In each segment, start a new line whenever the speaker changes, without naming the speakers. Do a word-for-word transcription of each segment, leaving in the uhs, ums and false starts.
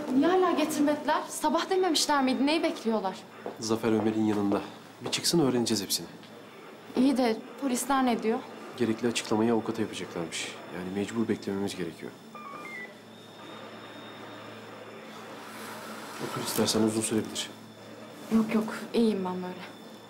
Niye hala getirmediler? Sabah dememişler miydi? Neyi bekliyorlar?
Zafer Ömer'in yanında. Bir çıksın öğreneceğiz hepsini.
İyi de polisler ne diyor?
Gerekli açıklamayı avukata yapacaklarmış. Yani mecbur beklememiz gerekiyor. Otur istersen, uzun sürebilir.
Yok yok, iyiyim ben böyle.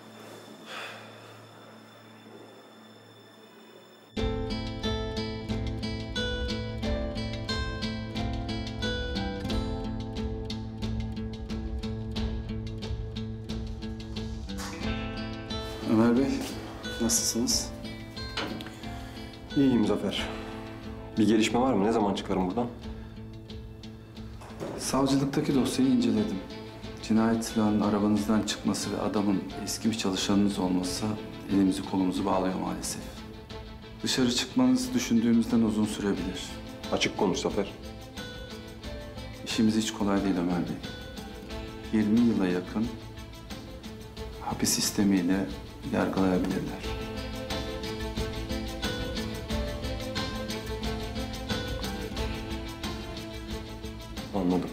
Ömer Bey, nasılsınız?
İyiyim Zafer. Bir gelişme var mı? Ne zaman çıkarım buradan?
Savcılıktaki dosyayı inceledim. Cinayet silahının arabanızdan çıkması ve adamın eski bir çalışanınız olması elimizi kolumuzu bağlıyor maalesef. Dışarı çıkmanız düşündüğümüzden uzun sürebilir.
Açık konuş Zafer.
İşimiz hiç kolay değil Ömer Bey. yirmi yıla yakın hapis sistemiyle yargılayabilirler.
Anladım.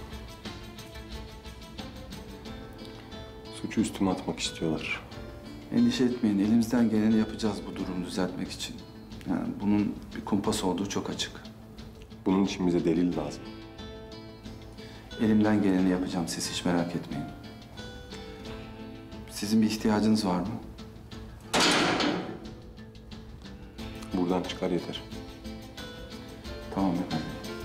Suçu üstüme atmak istiyorlar.
Endişe etmeyin, elimizden geleni yapacağız bu durumu düzeltmek için. Yani bunun bir kumpas olduğu çok açık.
Bunun için bize delil lazım.
Elimden geleni yapacağım, siz hiç merak etmeyin. Sizin bir ihtiyacınız var mı?
Buradan çıkar yeter.
Tamam efendim.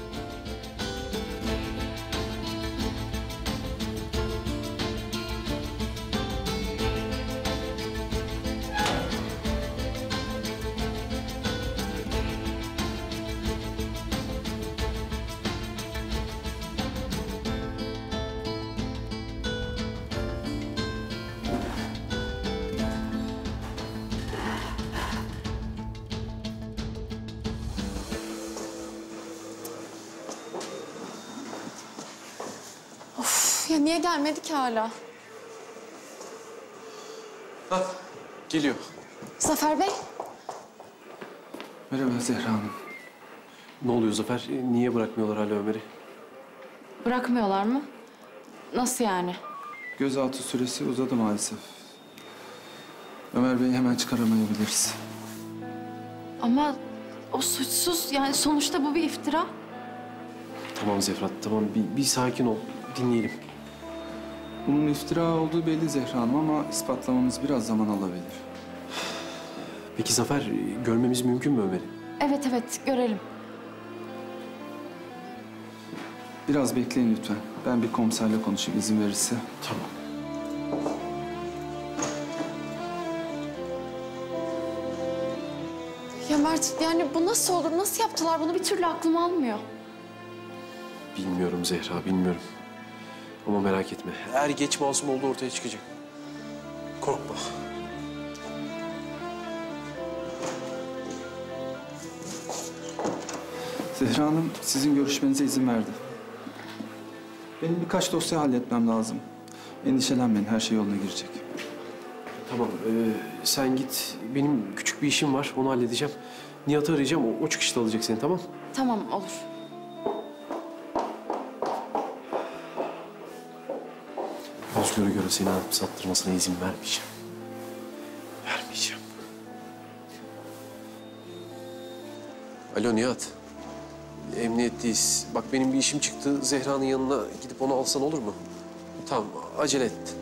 Ya niye gelmedi ki hala?
Hah, geliyor.
Zafer Bey,
Merhaba Zehra Hanım.
Ne oluyor Zafer? Niye bırakmıyorlar hala Ömer'i?
bırakmıyorlar mı? Nasıl yani?
Gözaltı süresi uzadı maalesef. Ömer Bey'i hemen çıkaramayabiliriz.
Ama o suçsuz, yani sonuçta bu bir iftira.
Tamam Zefrat, tamam. Bir, bir sakin ol. Dinleyelim.
Bunun iftira olduğu belli Zehra Hanım ama ispatlamamız biraz zaman alabilir.
Peki Zafer, görmemiz mümkün mü Ömer'i?
Evet evet, görelim.
Biraz bekleyin lütfen. Ben bir komiserle konuşayım izin verirse.
Tamam.
Ya Mert, yani bu nasıl olur? Nasıl yaptılar bunu? Bir türlü aklım almıyor.
Bilmiyorum Zehra, bilmiyorum. Ama merak etme. Eğer geç masum olduğu ortaya çıkacak. Korkma.
Zehra Hanım sizin görüşmenize izin verdi. Benim birkaç dosya halletmem lazım. Endişelenmeyin, her şey yoluna girecek.
Tamam, ee, sen git. Benim küçük bir işim var, onu halledeceğim. Nihat'ı arayacağım, o, o çıkışta alacak seni, tamam?
Tamam, olur.
Özgür'ü göre seni alıp sattırmasına izin vermeyeceğim. Vermeyeceğim. Alo Nihat. Emniyetteyiz. Bak benim bir işim çıktı. Zehra'nın yanına gidip onu alsan olur mu? Tamam, acele et.